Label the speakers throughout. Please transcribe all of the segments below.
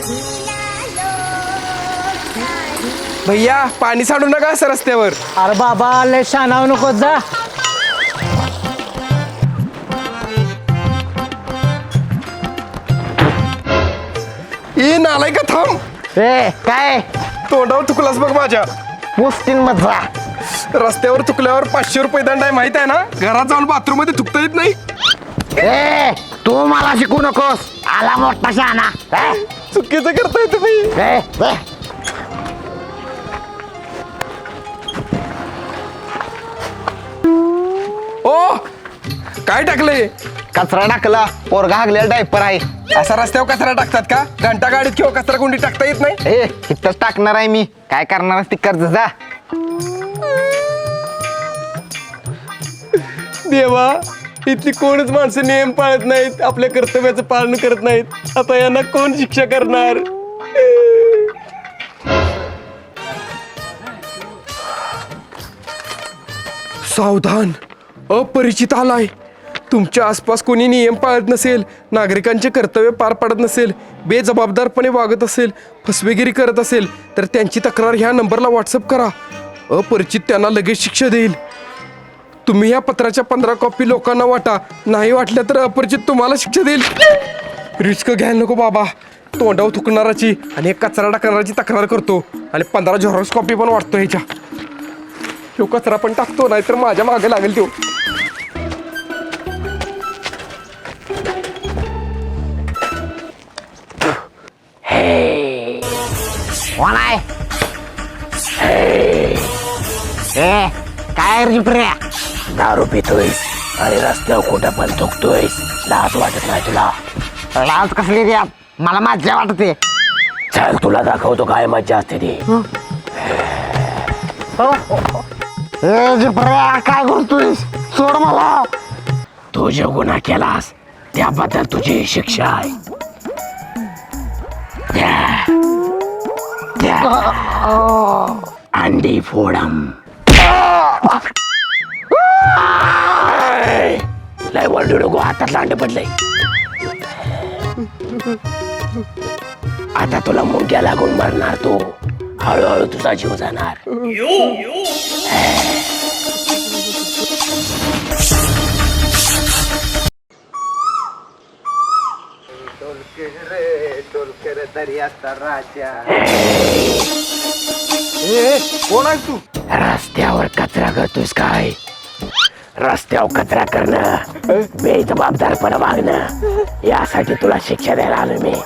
Speaker 1: भैया पाणी साडू नका असं रस्त्यावर.
Speaker 2: अरे बाबा लय शानाव नको जा.
Speaker 1: ए नालाय का थांब.
Speaker 2: ए काय
Speaker 1: तोंडावर थुकलास बघ माझ्या.
Speaker 2: मुस्तीन मजा.
Speaker 1: रस्त्यावर थुकल्यावर 500 रुपये दंड आहे माहित आहे ना. घरात जाऊन बाथरूम मध्ये थुकता येत नाही.
Speaker 2: ए तू मला शिकू नकोस. आला मोठा शहाणा.
Speaker 1: चुकीचं करताय तुम्ही. ओ काय टाकले.
Speaker 2: कचरा टाकला. पोरगा हागलेला डायपर आहे.
Speaker 1: असा रस्त्यावर कचरा टाकतात का. घंटा गाडीत किंवा कचरा कोंडी टाकता येत नाही.
Speaker 2: ए इथंच टाकणार आहे मी. काय करणार ती कर्ज जा.
Speaker 1: देवा इथली कोणच माणसं नियम पाळत नाहीत. आपल्या कर्तव्याचं पालन करत नाहीत. आता यांना कोण शिक्षा करणार. सावधान अपरिचित आलाय. तुमच्या आसपास कोणी नियम पाळत नसेल, नागरिकांचे कर्तव्य पार पाडत नसेल, बेजबाबदारपणे वागत असेल, फसवेगिरी करत असेल तर त्यांची तक्रार ह्या नंबरला व्हॉट्सअप करा. अपरिचित त्यांना लगेच शिक्षा देईल. तुम्ही या पत्राच्या 15 कॉपी लोकांना वाटा. नाही वाटल्या तर अपरिचित तुम्हाला शिक्षा देईल. रिस्क घ्यायला नको बाबा. तोंडावर थुकणाराची आणि एक कचरा टाकणाराची तक्रार करतो आणि 15 झेरॉक्स कॉपी पण वाटतो ह्याच्या. तो कचरा पण टाकतो नाहीतर माझ्या मागे लागेल तो.
Speaker 2: कोण आहे. ए काय रिप्र्या. दारू पितोयस आणि रस्त्यावर कुठं पण थुकतोयस. लाज वाटत नाही तुला. लाज कसली द्या. मला मज्जा वाटते. चल तुला दाखवतो काय मज्जा असते ती. काय करतोयस. सोड मला. तू जो गुन्हा केलास त्याबद्दल तुझी शिक्षा आहे. अंडी फोडम. लय वरडू नको. हातातलं अंड पडलंय. आता तुला मुंग्या लागून मरणार तू. हळूहळू तुझा जीव जाणार.
Speaker 1: कोण आहे तू.
Speaker 2: रस्त्यावर कचरा करतोस काय. रस्त्यावर कचरा करणं बेजबाबदारपणा वागणं यासाठी तुला शिक्षा द्यायला आलो मी.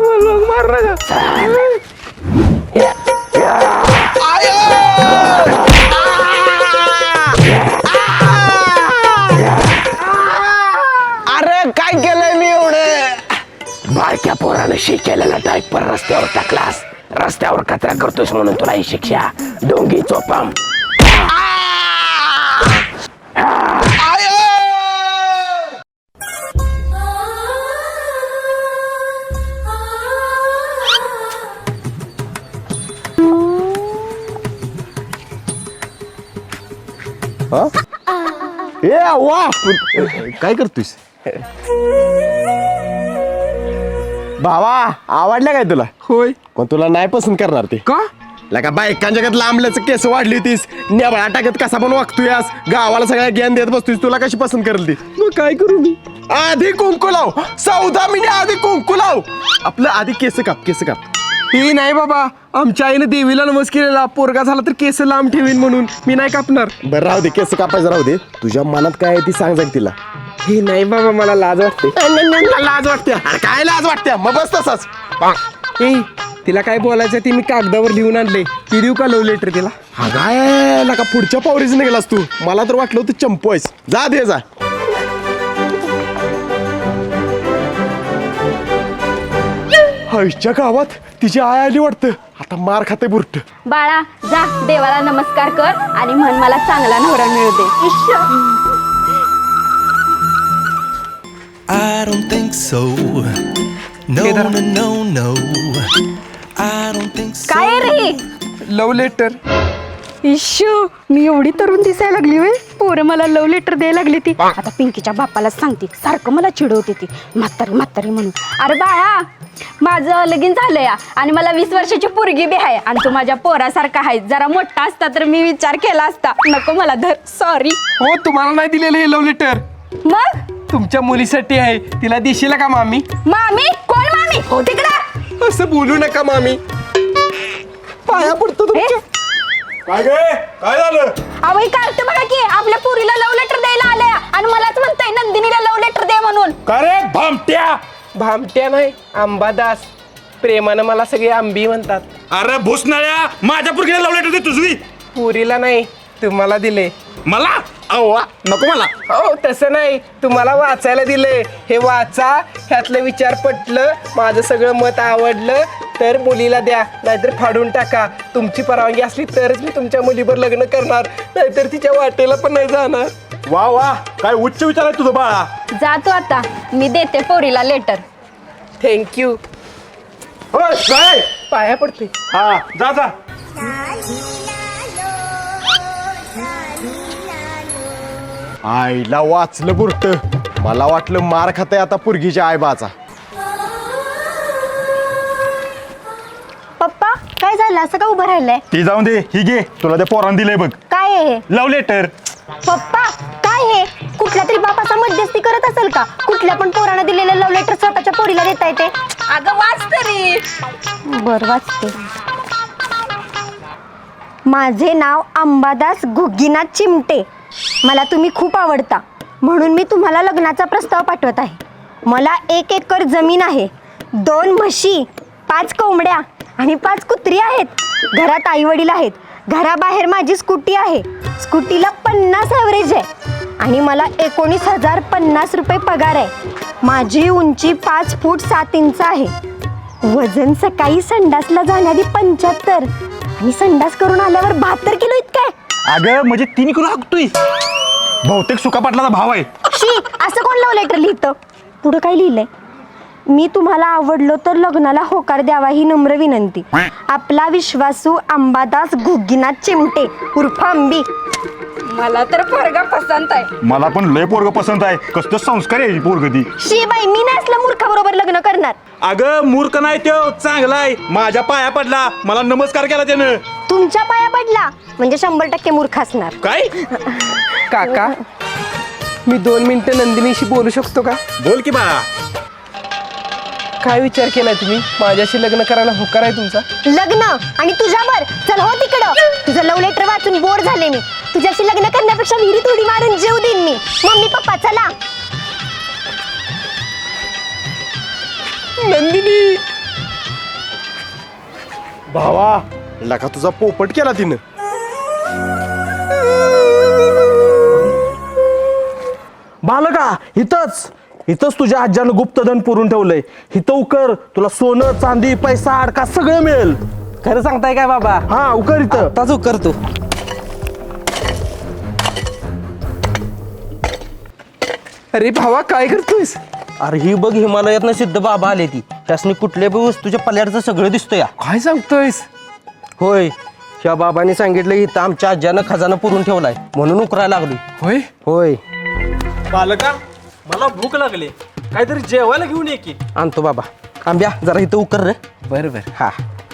Speaker 2: अरे काय केलंय मी एवढं. बारक्या पोरानं शिकेलेला डायपर रस्त्यावर टाकलास. रस्त्यावर कचरा करतोस म्हणून तुला ही शिक्षा. डोंगी चोपम.
Speaker 1: ए वा काय करतोस.
Speaker 3: भावा आवडल्या काय तुला.
Speaker 1: होय
Speaker 3: पण तुला नाही पसंत करणार ते.
Speaker 1: का.
Speaker 3: लका बायकांच्या जगात लांबल्याचं केस वाढली होतीस. नेबळा टाकत कसा पण वागतोयस. गावाला सगळ्या ज्ञान देत बसतोयस. तुला कशी पसंत करेल ती.
Speaker 1: मग काय करू मी.
Speaker 3: आधी कुंकू लाव. 14 मिनिट आधी कुंकू लाव. आपलं आधी केस काप. केस काप.
Speaker 1: हे नाही बाबा. आमच्या आईने देवीला नमस केलेला पोरगा झाला तर केस लांब ठेवीन म्हणून. मी नाही कापणार.
Speaker 3: बरं राहू दे. केस कापायचं राहू दे. तुझ्या मनात काय आहे ती सांग जाईल तिला.
Speaker 1: हे नाही बाबा मला लाज वाटते.
Speaker 3: लाज वाटते. अरे काय लाज वाटते. मग बस तसाच.
Speaker 1: ए तिला काय बोलायचं ते मी कागदावर लिहून आणले. ती देऊ का लव्ह लेटर तिला.
Speaker 3: हा काय नका पुढच्या पावरीच निघालास तू. मला तर वाटलं होतं चंपू आहेस. जा दे जा. आईच्या गावात तिची आय आली वाटतं. आता मार खाते बुरट.
Speaker 4: बाळा जा देवाला नमस्कार कर आणि म्हण मला चांगला नवरा मिळू दे.
Speaker 5: I don't think so. No,
Speaker 1: Kedar.
Speaker 5: no, no, no. I don't think so.
Speaker 4: काय रे.
Speaker 1: Love letter.
Speaker 4: इश्यू मी एवढी तरुण दिसायला लागली होय. पोरं मला लव्ह लेटर द्यायला लागली ती. आता पिंकीच्या बाप्पाला सांगते. सारखं मला चिडवते ती म्हातारी म्हातारी म्हणून. अरे बाळा माझं लगीन झालंय आणि मला 20 वर्षाची पोरगी बी आहे आणि तू माझ्या पोरासारखा आहे. जरा मोठा असता तर मी विचार केला असता. नको मला धर, सॉरी.
Speaker 1: हो तुम्हाला नाही दिलेलं हे लव्ह लेटर
Speaker 4: मग
Speaker 1: तुमच्या मुलीसाठी आहे. तिला देशील का मामी?
Speaker 4: मामी? कोण मामी? हो तिकडं.
Speaker 1: असं बोलू नका मामी, पाया पडतो तुमच्या.
Speaker 3: काय काय झालं?
Speaker 4: अहो कार्ट बघा की आपल्या पोरीला लव्ह लेटर द्यायला आल्या आणि मलाच म्हणताय नंदिनीला लव्ह लेटर दे म्हणून.
Speaker 3: का रे भामट्या?
Speaker 1: भामट्या नाही, अंबादास. प्रेमानं मला सगळे आंबी म्हणतात.
Speaker 6: अरे भुसनाळ्या, माझ्या पुरगीला लव्ह लेटर दे तुझी.
Speaker 1: पुरीला नाही, तुम्हाला दिले.
Speaker 6: मला अव्वा नको मला.
Speaker 1: हो तसं नाही, तुम्हाला वाचायला दिले. हे वाचा, ह्यातलं विचार पटलं, माझं सगळं मत आवडलं तर मुलीला द्या, नाहीतर फाडून टाका. तुमची परवानगी असली तरच मी तुमच्या मुलीवर लग्न करणार, नाहीतर तिच्या वाटेला पण नाही जाणार.
Speaker 3: वा वा, काय उच्च विचार आहे तुझं बाळा.
Speaker 4: जातो आता, मी देते पोरीला लेटर.
Speaker 1: थँक्यू.
Speaker 3: होय, काय?
Speaker 1: पाया पडते.
Speaker 3: हा जा जा. आईला वाचलं बुरट. मला वाटलं मार खाते आता पुरगीच्या आईबाचा.
Speaker 7: पप्पा काय झालं असं का उभं राहिलंय?
Speaker 6: ती जाऊन दे, ही घे, तुला ते पोरान दिलंय बघ
Speaker 7: काय आहे हे?
Speaker 6: Love letter.
Speaker 7: पप्पा काय हे? कुठल्या तरी बापाचा मध्यस्थी करत असेल का? कुठल्या पण पोरानं दिलेलं लव्ह लेटर स्वतःच्या पोरीला देता येते?
Speaker 4: अगं वाच तरी.
Speaker 7: बर वाचते. माझे नाव अंबादास घुग्गीनाथ चिमटे. मला तुम्ही खूप आवडता म्हणून मी तुम्हाला लग्नाचा प्रस्ताव पाठवत आहे. मला 1 एकर जमीन आहे, 2 म्हशी, 5 कोंबड्या आणि 5 कुत्री आहेत. घरात आई वडील आहेत. घराबाहेर माझी स्कूटी आहे. स्कूटीला 50 ॲव्हरेज आहे आणि मला 19,050 रुपये पगार आहे. माझी उंची 5 फूट 7 इंच आहे. वजन सकाळी संडासला जाण्याआधी 75 आणि संडास करून आल्यावर 72 किलो इतकं आहे.
Speaker 6: अगं म्हणजे 3 किलो हाकतोय. बहुतेक सुका पाटलाचा भाव आहे.
Speaker 7: शी, असं कोण लव्ह लेटर लिहितं? पुढं काय लिहिलंय? मी तुम्हाला आवडलो तर लग्नाला होकार द्यावा ही नम्र विनंती. आपला विश्वासू अंबादास घुग्गीनाथ चिमटे उर्फ अंबी.
Speaker 4: मला तर पोरगा पसंत आहे.
Speaker 6: मला पण लय पोरग पसंत आहे. कसलं संस्कार आहे पोरग ती.
Speaker 7: शी बाई, मी नाही असल्या मूर्खाबरोबर लग्न करणार.
Speaker 6: अगं मूर्ख नाही तो, चांगला आहे. माझ्या पाया पडला, मला नमस्कार केला त्यानं.
Speaker 7: तुमच्या पाया पडला म्हणजे 100% मूर्ख असणार.
Speaker 6: काय?
Speaker 1: काका, मी 2 मिनिटं नंदिनीशी बोलू शकतो का?
Speaker 6: बोल की बाळा.
Speaker 1: काय विचार केलाय तुम्ही? माझ्याशी लग्न करायला होकार आहे तुमचा?
Speaker 7: लग्न आणि तुझ्यावर? चल हो तिकडं. तुझं लव्ह लेटर वाचून बोर झाले मी. तुझ्याशी लग्न करण्यापेक्षा विहिरीत उडी मारून जीव देईन मी. मम्मी पप्पा चला.
Speaker 1: नंदिनी,
Speaker 3: भावा, लका तुझा पोपट केला तिनं.
Speaker 8: बालका, इथंच तुझ्या आज्यानं गुप्तधन पुरून ठेवलंय. इथं उकर, तुला सोनं चांदी पैसा अडका सगळं मिळेल.
Speaker 9: खरं सांगताय काय बाबा?
Speaker 8: हा उकर इथं.
Speaker 9: आताच करतो.
Speaker 1: अरे भावा काय करतोयस?
Speaker 9: अरे ही बघ, हिमालयातनं सिद्ध बाबा आले ती. त्यासनी कुठल्या बी वस्तूच्या पल्याडचं सगळं दिसतोय या.
Speaker 1: काय सांगतोयस?
Speaker 9: होय, ह्या बाबांनी सांगितलं इथं आमच्या आज्यानं खजाना पुरून ठेवलाय म्हणून उकरायला लागली.
Speaker 1: होय.
Speaker 9: होय,
Speaker 8: बालका, मला भूक लागली, काहीतरी जेवायला घेऊन ये की.
Speaker 9: आणतो बाबा. आंब्या जरा इथं उकर रे.
Speaker 1: बरोबर.
Speaker 9: हा,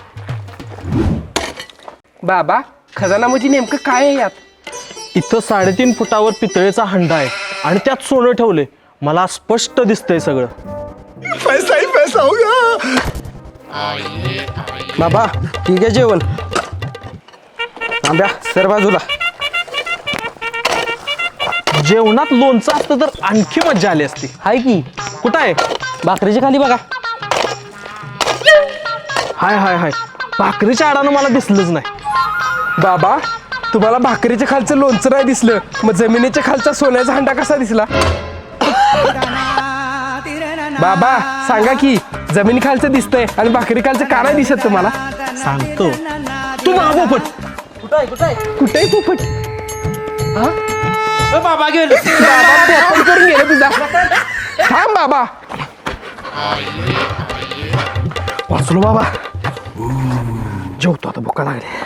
Speaker 1: बाबा, खजाना म्हणजे नेमकं काय आहे यात?
Speaker 8: इथं 3.5 फुटावर पितळेचा हंडा आहे आणि त्यात सोनं ठेवले. मला स्पष्ट दिसतंय सगळं.
Speaker 3: पैसा ही पैसा होगा.
Speaker 9: बाबा ठीक आहे जेवण. आंब्या सर बाजूला.
Speaker 8: जेवणात लोणचं असतं तर आणखी मजा आली असती.
Speaker 9: हाय की,
Speaker 8: कुठं आहे?
Speaker 9: भाकरीच्या खाली बघा.
Speaker 8: हाय भाकरीच्या आडानं मला दिसलंच नाही.
Speaker 1: बाबा, तुम्हाला भाकरीच्या खालचं लोणचं नाही दिसलं, मग जमिनीच्या खालचा सोन्याचा हंडा कसा दिसला? बाबा सांगा की, जमिनी खालचं दिसतंय आणि भाकरी खालचं का नाही दिसत तुम्हाला?
Speaker 8: सांगतो. तू महापोपट.
Speaker 1: कुठेही पोपट?
Speaker 9: बाबा गेलो.
Speaker 1: बाबा पोपट करून गेलं तुझा. थांब बाबा.
Speaker 8: वाचलो बाबा. जेवतो आता, भुका लागली.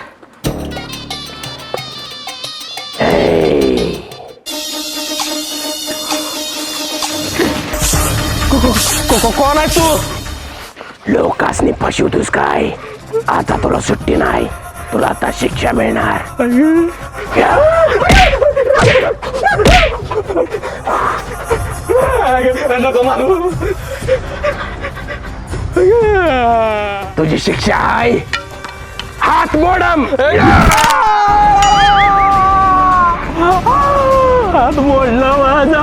Speaker 1: कोण आहे तू?
Speaker 2: लोकांनी फसवतोस काय? आता तुला सुट्टी नाही, तुला आता शिक्षा मिळणार. तुझी शिक्षा आहे हात मोडम.
Speaker 8: हात मोडला माझा.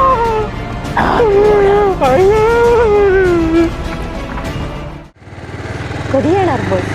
Speaker 7: कधी येणार बस?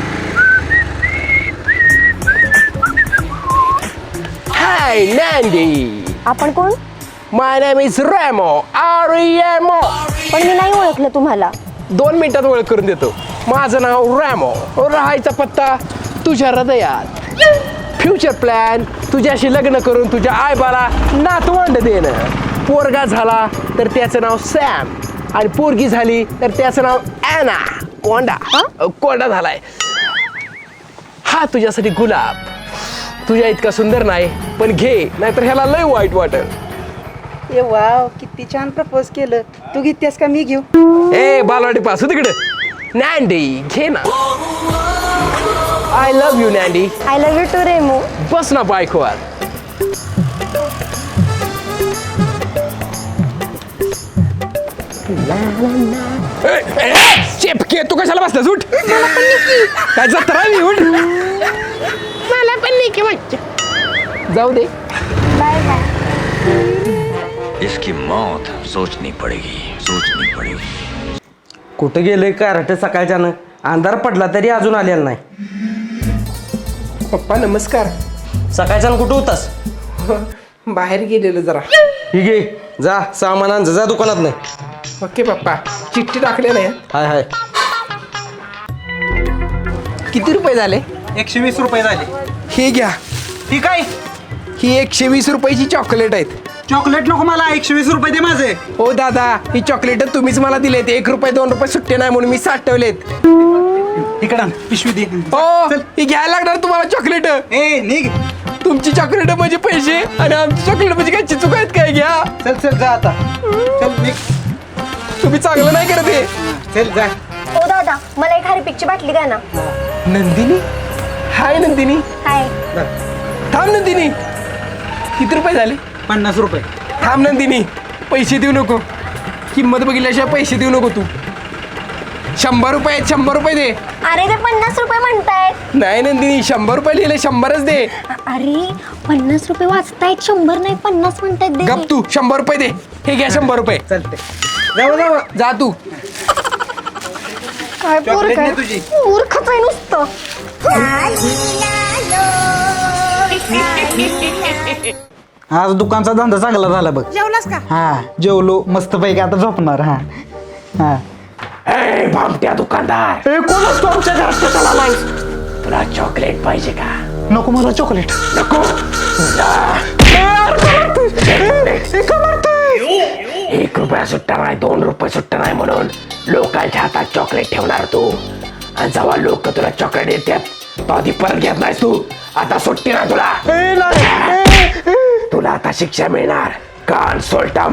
Speaker 2: हाय नॅन्डी,
Speaker 7: आपण कोण?
Speaker 2: My name is Remo. R E M O.
Speaker 7: पण मी नाही ओळखलं तुम्हाला.
Speaker 2: 2 मिनिटात ओळख करून देतो. माझं नाव रॅमो. राहायचा पत्ता तुझ्या हृदयात. फ्युचर प्लॅन तुझ्याशी लग्न करून तुझ्या आईबाला नातवंड देणं. पोरगा झाला तर त्याचं नाव सॅम आणि पोरगी झाली तर त्याचं नाव ॲना. कोंडा झालाय. हा तुझ्यासाठी गुलाब. तुझ्या इतका सुंदर नाही पण घे, नाहीतर ह्याला लय वाईट वाटेल.
Speaker 10: ए वाव, किती छान प्रपोज केलं. तू घेतेस का मी घेऊ?
Speaker 2: ए बालवाडी पासू तिकडे. नॅन्डी घे ना. I love you Nandy.
Speaker 7: I love you too Remo.
Speaker 2: बस ना बायकोवर. चेपके तू कशाला बसलास? उठ. काय जत्रा आहे? उठ. मला पण निकी मज्जा. जाऊ दे.
Speaker 7: Bye bye.
Speaker 5: इसकी मौत सोचनी पड़ेगी.
Speaker 9: कुठं गेले कार्टे सकाळच्यानं? अंधार पडला तरी अजून आलेला नाही.
Speaker 1: पप्पा नमस्कार.
Speaker 9: सकाळच्यानं कुठं होतास?
Speaker 1: बाहेर गेलेलो जरा.
Speaker 9: ही घे, जा सामान आण जा दुकानात नाही.
Speaker 1: ओके पप्पा. चिठ्ठी टाकले नाही.
Speaker 9: हाय हाय.
Speaker 1: किती रुपये झाले?
Speaker 6: 120 रुपये झाले.
Speaker 1: हे घ्या.
Speaker 6: ठीक आहे.
Speaker 1: ही 120 रुपयाची चॉकलेट आहेत.
Speaker 6: चॉकलेट नको मला, 120 रुपये दे माझे.
Speaker 1: ओ दादा, ही चॉकलेट तुम्हीच मला दिलेत. 1 रुपये 2 रुपये सुट्टे नाही म्हणून मी साठवलेत.
Speaker 6: इकडं पिशवी दे.
Speaker 1: ओ ही घ्यायला लागणार तुम्हाला चॉकलेट.
Speaker 6: ए निघ.
Speaker 1: तुमची चॉकलेट म्हणजे पैसे आणि आमची चॉकलेट म्हणजे काय चुक आहेत काय? घ्या.
Speaker 6: चल जा आता. चल निघ.
Speaker 1: तुम्ही चांगलं नाही करत हे.
Speaker 6: चल जा.
Speaker 7: ओ दादा, मला एक हार्पिकची बाटली द्या ना.
Speaker 1: नंदिनी. हाय नंदिनी.
Speaker 7: हाय.
Speaker 1: थांब नंदिनी. किती रुपये झाले?
Speaker 6: 50 रुपये.
Speaker 1: थांब नंदिनी, पैसे देऊ नको. किंमत बघितल्याशिवाय पैसे देऊ नको तू. 100 रुपये आहेत. 100 रुपये दे.
Speaker 7: अरे ते 50 रुपये म्हणतायत.
Speaker 1: नाही नंदिनी, 100 रुपये लिहिले. 100च दे.
Speaker 7: अरे 50 रुपये वाचतायत, 100 नाही 50 म्हणतायत. दे.
Speaker 1: गप तू. 100 रुपये दे. हे घ्या 100 रुपये.
Speaker 6: चालते.
Speaker 1: जा तू.
Speaker 7: काय पोर
Speaker 6: चॉकलेट
Speaker 7: काय?
Speaker 6: नाही तुझी.
Speaker 7: मूर्खच आहे नुसतं.
Speaker 10: आज दुकानचा धंदा चांगला झाला बघ.
Speaker 7: जेवलास का?
Speaker 10: हा जेवलो मस्त पैकी. आता झोपणार. हा हा.
Speaker 2: ए भामट्या दुकानदार,
Speaker 10: कोणच तुमच्या घरात कशाला आलायस?
Speaker 2: तुला चॉकलेट पाहिजे का?
Speaker 10: नको मला चॉकलेट.
Speaker 2: नको. 1 रुपया सुट्टा नाही, 2 रुपये सुट्टा नाही म्हणून लोकांच्या हातात चॉकलेट ठेवणार तू. आणि जेव्हा लोक तुला चॉकलेट देतात तेव्हा ती परत घेत नाहीस तू. आता सुट्टी ना तुला. तुला आता शिक्षा मिळणार. कान सोलटम.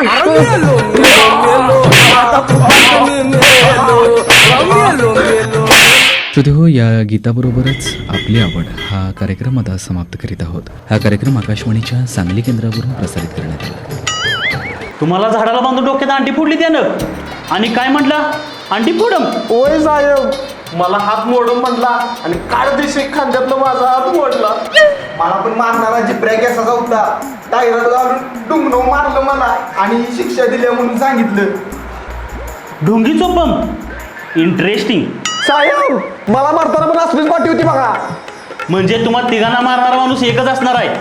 Speaker 11: श्रोतेहो, या गीताबरोबरच आपली आवड हा कार्यक्रम आता समाप्त करीत आहोत. हा कार्यक्रम आकाशवाणीच्या सांगली केंद्रावरून प्रसारित करण्यात आला.
Speaker 8: तुम्हाला झाडाला बांधून डोक्यात अंडी फोडली त्यानं आणि काय म्हटला? अंडी फोडम.
Speaker 3: ओय साहेब, मला हात मोडून म्हणला आणि काळ दिवशी खांद्यातनं माझा हात मोडला. मला पण मारणारा जिब्र्या केसाचा होता. टायरात घालून डुंगणं मारलं मला आणि शिक्षा दिली म्हणून सांगितलं.
Speaker 8: ढोंगी चोपम. इंटरेस्टिंग.
Speaker 3: साहेब, मला मारताना पण असलीच पाठी होती बघा.
Speaker 8: म्हणजे तुम्हाला तिघांना मारणारा माणूस एकच असणार आहे.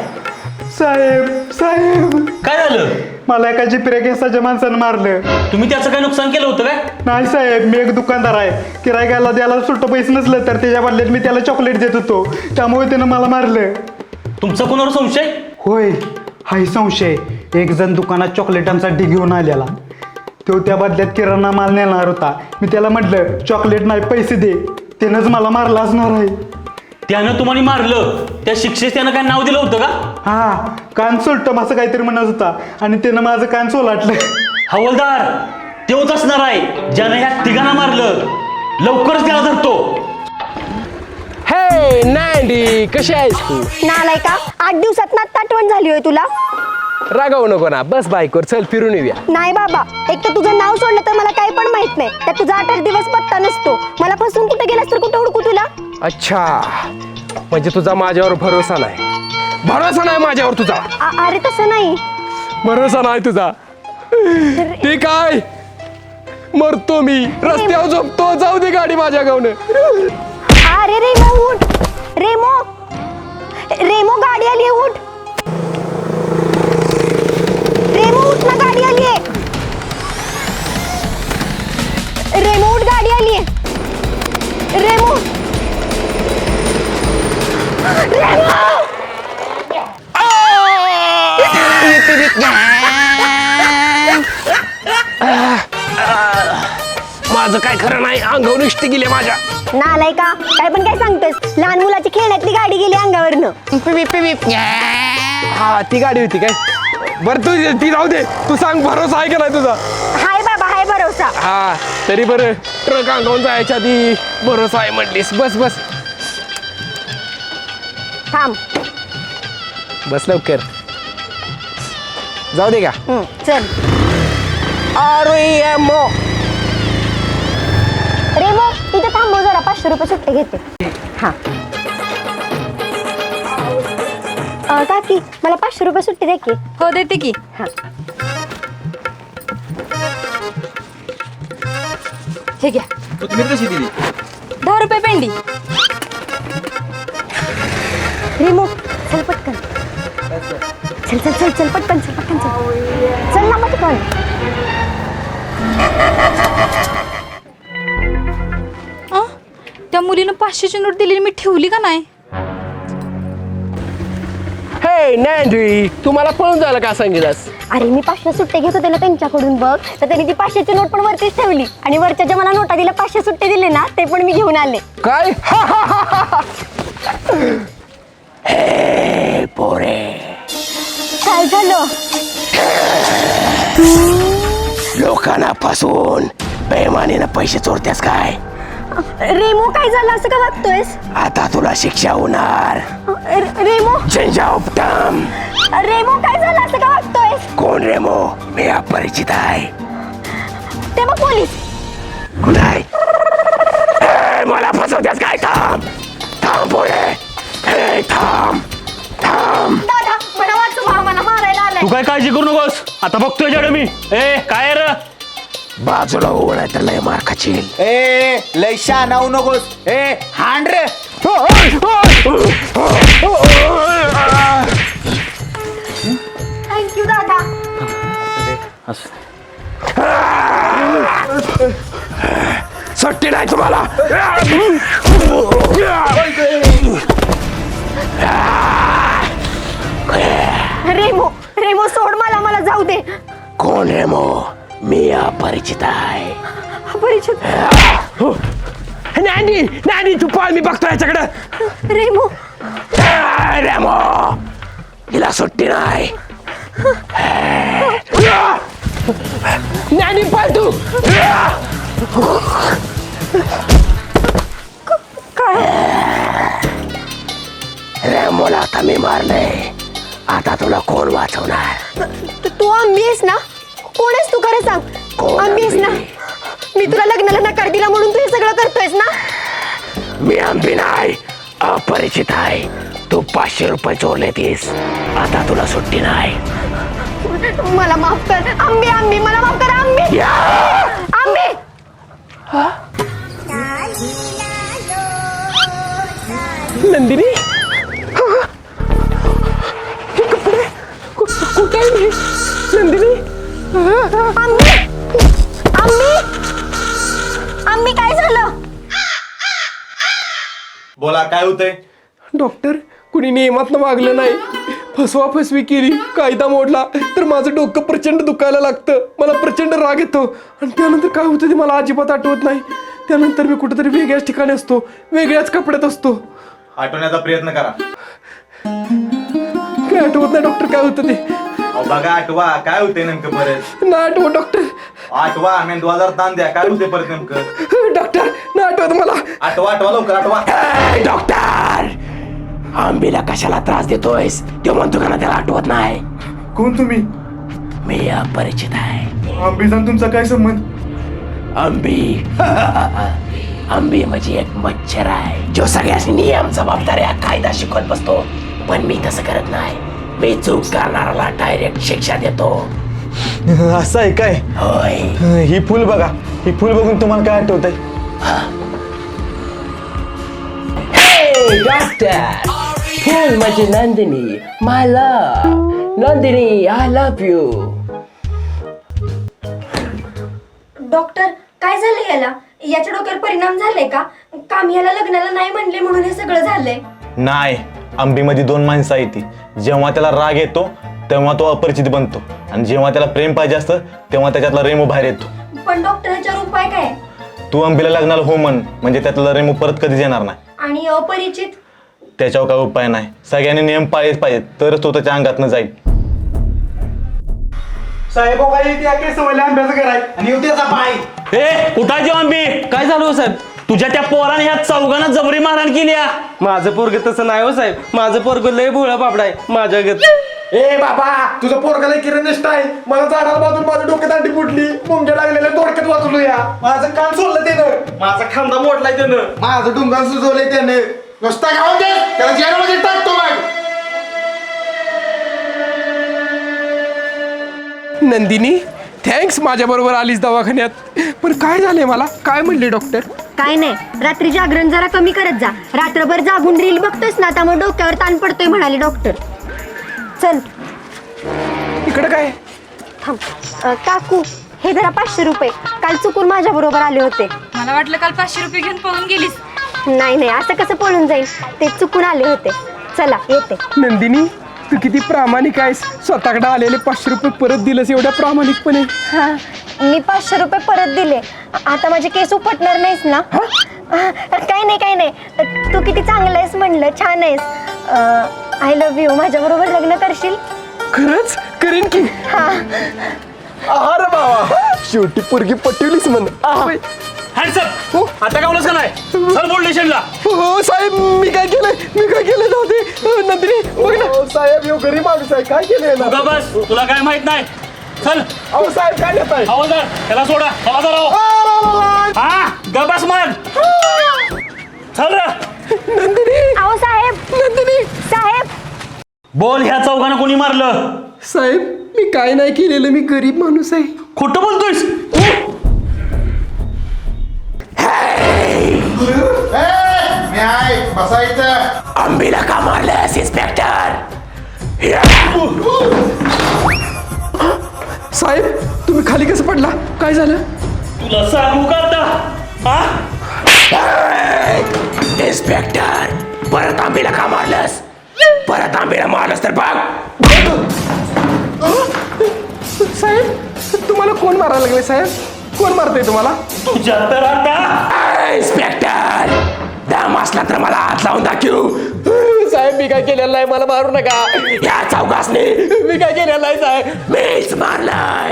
Speaker 3: साहेब
Speaker 8: काय झालं?
Speaker 3: मला एका जिब्र्या केसाच्या माणसानं मारलं.
Speaker 8: तुम्ही त्याचं काय नुकसान केलं होतं काय?
Speaker 3: नाही साहेब, मी एक दुकानदार आहे. गिरायकाला द्यायला सुट्ट पैसे नसलं तर त्याच्या बदल्यात मी त्याला चॉकलेट देत होतो. त्यामुळे त्यानं मला मारलं.
Speaker 8: तुमचा कोणावर संशय?
Speaker 3: होय, हाही संशय. एक जण दुकानात चॉकलेटांसाठी घेऊन आलेला. तो त्या बदल्यात किराणा माल नेणार होता. मी त्याला म्हटलं चॉकलेट नाही पैसे दे. त्यानंच मला मारला असणार आहे.
Speaker 8: त्यानं तुम्हाला मारलं, त्या शिक्षेस त्यानं काय नाव दिलं होतं का?
Speaker 3: हा, कान सोलटम असं काहीतरी म्हणत होता आणि त्यानं माझं कान सोलाटलं.
Speaker 8: हवलदार, तेच असणार आहे ज्यानं ह्या तिघांना मारलं.
Speaker 6: लवकरच त्याला धरतो.
Speaker 1: हे नॅन्डी कशी आहेस तू?
Speaker 7: नालाय का 8 दिवसात ना आठवण झाली होय तुला?
Speaker 1: रागावू नको ना, बस बाईकवर चल फिरून येऊया.
Speaker 7: नाही बाबा, एक तर तुझं नाव सोडलं तर मला काही पण माहित नाही. त्यात तुझा 8 दिवस पत्ता नसतो. मला फसून कुठे गेलास तर कुठं हुडकू तुला?
Speaker 1: अच्छा, म्हणजे तुझा माझ्यावर भरोसा नाही. भरोसा नाही माझ्यावर तुझा.
Speaker 7: अरे तसं नाही.
Speaker 1: भरोसा नाही तुझा. ठीक आहे, मरतो मी रस्त्यावर झोपतो. जाऊ दे गाडी माझ्या गावनं.
Speaker 7: अरे रेमो उठ. रेमो रेमो गाडी आली आहे, उठ. रेमो उठ ना, गाडी आली आहे. रेमो उठ, गाडी आली आहे. रेमो
Speaker 1: माझं काय खरं नाही, अंगावर निष्ठी गेली माझ्या.
Speaker 7: नालाय का, काय पण काय सांगतोस? लहान मुलाची खेळण्यातली गाडी गेली अंगावरनं.
Speaker 1: हा ती गाडी होती काय? बरं तू ती जाऊ दे. तू सांग, भरोसा आहे का नाही तुझा?
Speaker 7: हाय बाबा, हाय भरोसा.
Speaker 1: हा तरी बरं, ट्रक अंगावून जायच्या आधी भरोसा आहे म्हणलीस. बस बस
Speaker 7: थांब.
Speaker 1: बस लवकर. जाऊ दे का?
Speaker 7: चल.
Speaker 1: अरे मो
Speaker 7: रेमो इथं थांबव जरा, 500 रुपये सुट्टे घेते. हा काकी, मला 500 रुपये सुट्टी दे की.
Speaker 4: हो देते की.
Speaker 7: हा.
Speaker 4: हे घ्या.
Speaker 6: तुम्ही कशी दिली?
Speaker 4: 10 रुपये पेंडी.
Speaker 7: रेमो चल पटकन. चल चल चल चल पटकन, चल पटकन, चल चल ना पटकन.
Speaker 4: त्या मुलीनं 500ची नोट दिलेली मी ठेवली का नाही?
Speaker 1: हे नॅन्डी, तुम्हाला पळून जायला का सांगितलंस?
Speaker 7: अरे मी 500 सुट्टे घेत होते ना त्यांच्याकडून, बघ तर त्यांनी ती 500ची नोट पण वरतीच ठेवली आणि वरच्या ज्या मला नोटा दिल्या 500 सुट्टे दिले ना, ते पण मी घेऊन आले.
Speaker 1: काय?
Speaker 2: पोरे,
Speaker 7: काय झालं?
Speaker 2: लोकांना फसवून बेमानीनं पैसे चोरतेस काय?
Speaker 7: रेमो काय झालं, असं का वागतोयस?
Speaker 2: आता तुला शिक्षा होणार.
Speaker 7: रेमो
Speaker 2: झंझावटम.
Speaker 7: रेमो काय झालं, असं का वागतोयस?
Speaker 2: कोण रेमो? मी अपरिचित आहे.
Speaker 7: ते बघ पोलीस.
Speaker 2: नाही, मला फसवतेस काय? थांब थांब पोरे, थांब थांब.
Speaker 7: दादा मला वाचवा, मला मारायला आलाय.
Speaker 6: तू काय काळजी करू नकोस, आता बघतोय जड मी. काय र
Speaker 2: बाजूला होऊ नाही तर लय मार खाशील.
Speaker 3: ए लय शहाणा होऊ नकोस. ए हांड रे.
Speaker 7: थँक्यू दादा.
Speaker 2: सुट्टी नाही तुम्हाला.
Speaker 7: रेमो रेमो सोड मला, मला जाऊ दे.
Speaker 2: कोण रेमो? मी अपरिचित आहे.
Speaker 7: परिचित.
Speaker 1: नॅन्डी नॅन्डी तू पळ, मी बघतो याच्याकडं.
Speaker 7: रेमो
Speaker 2: रेमो, हिला सुट्टी नाही.
Speaker 1: नॅन्डी पळ तू.
Speaker 2: रेमोला आता मी मारले, आता तुला कोण वाचवणार?
Speaker 7: तू आंबी आहेस ना? कोण आहेस तू, खरं सांग.
Speaker 2: कोण
Speaker 7: आंबी आहेस ना?
Speaker 2: आंबी?
Speaker 7: मी तुला लग्नाला नकार दिला म्हणून तू हे सगळं करतोयस ना?
Speaker 2: मी आंबी नाही, अपरिचित आहे. तू 500 रुपये चोरले तीस, आता तुला सुट्टी नाही.
Speaker 7: मला माफ कर आंबी, आंबी मला माफ कर आंबी. आंबी
Speaker 1: नंदिनी, हे कपडे कुठे आहे मी? नंदिनी,
Speaker 7: आंबी आंबी आंबी काय झालं?
Speaker 3: बोला काय होतंय?
Speaker 1: डॉक्टर कुणी नियमातनं वागलं नाही, फसवा फसवी केली, कायदा मोडला तर माझं डोकं प्रचंड दुखायला लागतं, मला प्रचंड राग येतो आणि त्यानंतर काय होतं ते मला अजिबात आठवत नाही. त्यानंतर मी कुठेतरी वेगळ्याच ठिकाणी असतो, वेगळ्याच कपड्यात असतो.
Speaker 3: आठवण्याचा प्रयत्न करा.
Speaker 1: काय आठवत नाही डॉक्टर, काय होतं ते.
Speaker 3: अहो बघा, आठवा काय होते नेमकं परत.
Speaker 1: ना आठवत डॉक्टर.
Speaker 3: आठवा मेंदवाजार ताण द्या, काय होते परत नेमकं.
Speaker 1: डॉक्टर ना
Speaker 3: आठवा लवकर आठवा.
Speaker 2: डॉक्टर, आंबीला कशाला त्रास देतोयस? तो म्हणतो का ना त्याला आठवत नाही.
Speaker 3: कोण तुम्ही?
Speaker 2: मी अपरिचित आहे.
Speaker 3: आंबीचा तुमचा काय संबंध?
Speaker 2: आंबी आंबी म्हणजे एक मच्छर आहे जो सगळ्यांनी नियम जबाबदाऱ्या कायदा शिकवत बसतो. पण मी तसं करत नाही. मी चूक करणाऱ्याला डायरेक्ट शिक्षा देतो.
Speaker 3: असं आहे काय?
Speaker 2: होय.
Speaker 3: ही फुल बघा. ही फुल बघून तुम्हाला काय आठवत आहे?
Speaker 2: डॉक्टर, फुल म्हणजे Nandini, my love. Nandini, I love you.
Speaker 7: Doctor, काय झालं याला? याच्या डोक्यावर परिणाम झालाय का? काम याला लग्नाला नाही म्हणले म्हणून हे सगळं झालंय.
Speaker 3: नाही, आंबीमध्ये दोन माणसं आहेत ती. जेव्हा त्याला राग येतो तेव्हा तो अपरिचित बनतो, आणि जेव्हा त्याला प्रेम पाहिजे असतं तेव्हा त्याच्यातला रेमू बाहेर येतो.
Speaker 7: पण डॉक्टर, ह्याच्यावर उपाय काय?
Speaker 3: तू आंबीला लग्नाला हो म्हण, म्हणजे त्यातला रेमू परत कधीच येणार नाही.
Speaker 7: आणि अपरिचित?
Speaker 3: त्याच्यावर काय उपाय नाही. सगळ्यांनी नियम पाळलेच पाहिजेत, तरच तो त्याच्या अंगातनं जाईल. साहेब आंब्याचं घर आहे आणि उद्याचा पाय.
Speaker 6: कुठाची आंबी?
Speaker 9: काय झालं हो साहेब?
Speaker 6: तुझ्या त्या पोराने ह्या चौघांना जबरी मारहाण केली आहे.
Speaker 9: माझं पोरग तसं नाही हो साहेब. माझं पोरग लय भोळा बाबडा आहे माझ्या गत.
Speaker 3: ए बाबा, तुझं पोरगाला किरण निष्ठा आहे. मला झाडाला बाजून माझ्या डोक्यात अंडी फुटली, मुंग्या लागलेल्या थोडक्यात वाचलो या. माझं कान सोडलं त्यानं, माझा खांदा मोडलाय त्यानं, माझं डुंगान सुजवलंय त्यानं. नुसता खाऊन दे, त्याला जेलमध्ये टाकतो मग.
Speaker 1: नंदिनी, थँक्स माझ्या बरोबर आलीस दवाखान्यात. पण काय झालंय मला? काय म्हणले डॉक्टर?
Speaker 7: काय नाही, रात्री जागरण जरा कमी करत जा. रात्रभर जागून रील बघतोयस ना, त्यामुळे डोक्यावर ताण पडतोय म्हणाले डॉक्टर. चल
Speaker 1: इकडे काय?
Speaker 7: थांब. काकू, हे जरा 500 रुपये. काल चुकून माझ्या बरोबर आले होते.
Speaker 4: मला वाटलं काल 500 रुपये घेऊन पळून गेलीस.
Speaker 7: नाही, असं कसं पळून जाईल? ते चुकून आले होते. चला येते.
Speaker 1: नंदिनी, तू किती प्रामाणिक आहेस. स्वतःकडे आलेले 500 रुपये परत दिलंस एवढ्या प्रामाणिकपणे.
Speaker 7: हा, मी 500 रुपये परत दिले. आता माझे केस उपटणार नाहीस ना? काही नाही. तू किती चांगलं आहेस म्हणलं, छान आहेस. I love you. माझ्या बरोबर लग्न करशील?
Speaker 1: खरंच करीन की.
Speaker 7: हा.
Speaker 1: अरे बाबा, शेवटी पोरगी पटवलीच म्हण.
Speaker 6: हँडसअप. आता गावलंच का नाही? चल बोल स्टेशनला.
Speaker 1: हो साहेब, मी काय केलं नव्हते. नंदिनी बघ ना. साहेब, यो गरीब माणूस आहे, काय केलंय ना?
Speaker 6: तू का बस, तुला काय माहित नाही. चल.
Speaker 1: अहो साहेब, काय देत आहे?
Speaker 6: हवालदार, त्याला सोडा. हवालदार आहो. हा, गबास मग. चल रे.
Speaker 7: नंदिनी. अहो साहेब. नंदिनी साहेब.
Speaker 6: बोल, ह्या चौघांना कोणी मारलं?
Speaker 1: साहेब, मी काय नाही केलेलं. मी गरीब माणूस आहे.
Speaker 6: खोटं बोलतोयस?
Speaker 2: आंबीला का मारलंस इन्स्पेक्टर?
Speaker 1: साहेब, तुम्ही खाली कसं पडला? काय झालं?
Speaker 6: तुला सांगू का आता? हा?
Speaker 2: इन्स्पेक्टर, परत आंबीला का मारलंस? परत आंबीला मारलंस तर बघ.
Speaker 1: साहेब, तुम्हाला कोण मारायला लागले? साहेब, कोण मारतोय तुम्हाला?
Speaker 6: तुझ्या तर आता.
Speaker 2: इन्स्पेक्टर, दम असला तर मला हात लावून दाखव.
Speaker 1: साहेब, मी काय केलेलं नाही, मला मारू नका.
Speaker 2: या चौघासने
Speaker 1: मी काय केलेलं नाही साहेब.
Speaker 2: मीच मारलाय.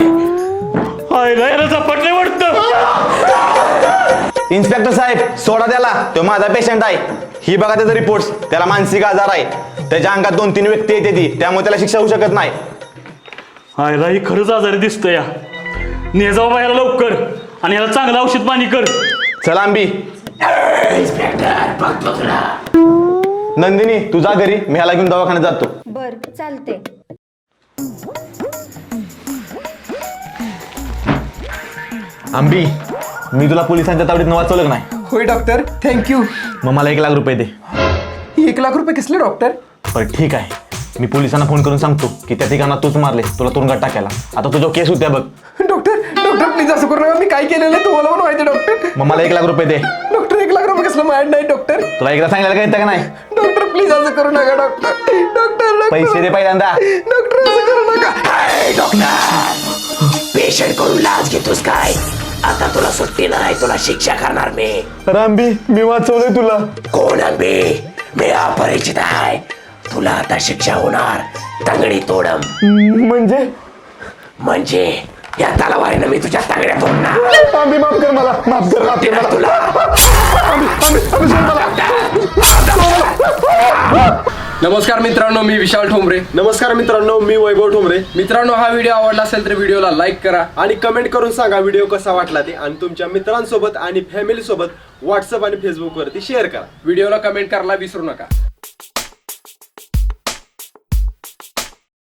Speaker 6: झपटले वाटतं.
Speaker 3: इन्स्पेक्टर साहेब, सोडा त्याला. तो माझा पेशंट आहे. ही बघा त्याचा रिपोर्ट. त्याला मानसिक आजार आहे. त्याच्या अंगात 2-3 व्यक्ती येते ती, त्यामुळे त्याला शिक्षा होऊ शकत नाही.
Speaker 6: हायला ही खरंच आजारी दिसतोय या. ने जाऊ बाहेर लवकर आणि याला चांगलं औषध पाणी कर.
Speaker 3: चला आंबी.
Speaker 2: इन्स्पेक्टर, बघतो तुला.
Speaker 3: नंदिनी, तू जा घरी, मी ह्याला घेऊन दवाखान्यात जातो.
Speaker 7: बर, चालते.
Speaker 3: आंबी, मी तुला पोलिसांच्या तावडीत वाचवलं नाही.
Speaker 1: होय डॉक्टर, थँक्यू.
Speaker 3: मग मला 1 लाख रुपये दे.
Speaker 1: 1 लाख रुपये कसले डॉक्टर?
Speaker 3: बरं ठीक आहे, मी पोलिसांना फोन करून सांगतो की त्या ठिकाणात तूच मारले, तुला तुरुंगात टाकायला. आता तुझा केस होत्या बघ.
Speaker 1: डॉक्टर प्लीज असं करू नका. मी काय केलेलं आहे तुम्हाला पण माहिती डॉक्टर.
Speaker 3: मग मला 1 लाख रुपये दे.
Speaker 1: डॉक्टर, 1 लाख रुपये कसलं माहित नाही डॉक्टर.
Speaker 3: तुला एकदा सांगायला काय येतं का नाही?
Speaker 1: डॉक्टर प्लीज असं करू नका डॉक्टर.
Speaker 3: पैसे दे पहिल्यांदा.
Speaker 1: डॉक्टर असं करू नका.
Speaker 2: डॉक्टर, पेशंट करून लाच घेतोस काय? आता तुला सुट्टी नाही, तुला शिक्षा करणार मी.
Speaker 3: आंबी, मी वाचवलंय तुला.
Speaker 2: कोण आंबी? मी अपरिचित आहे. तुला आता शिक्षा होणार. तंगडी तोडम. म्हणजे या तलवारीनं मी तुझ्या तंगड्या तोडणार.
Speaker 3: आंबी, माफ कर मला. माफ कर
Speaker 2: तुला.
Speaker 1: नमस्कार मित्रांनो, मी विशाल ठोंबरे.
Speaker 3: नमस्कार मित्रांनो, मी वैभव ठोंबरे.
Speaker 1: मित्रांनो, हा व्हिडिओ आवडला असेल तर व्हिडिओला लाईक करा
Speaker 3: आणि कमेंट करून सांगा व्हिडिओ कसा वाटला ते, आणि तुमच्या मित्रांसोबत आणि फॅमिली सोबत व्हॉट्सअप आणि फेसबुक वरती शेअर करा.
Speaker 1: व्हिडिओला कमेंट करायला विसरू नका.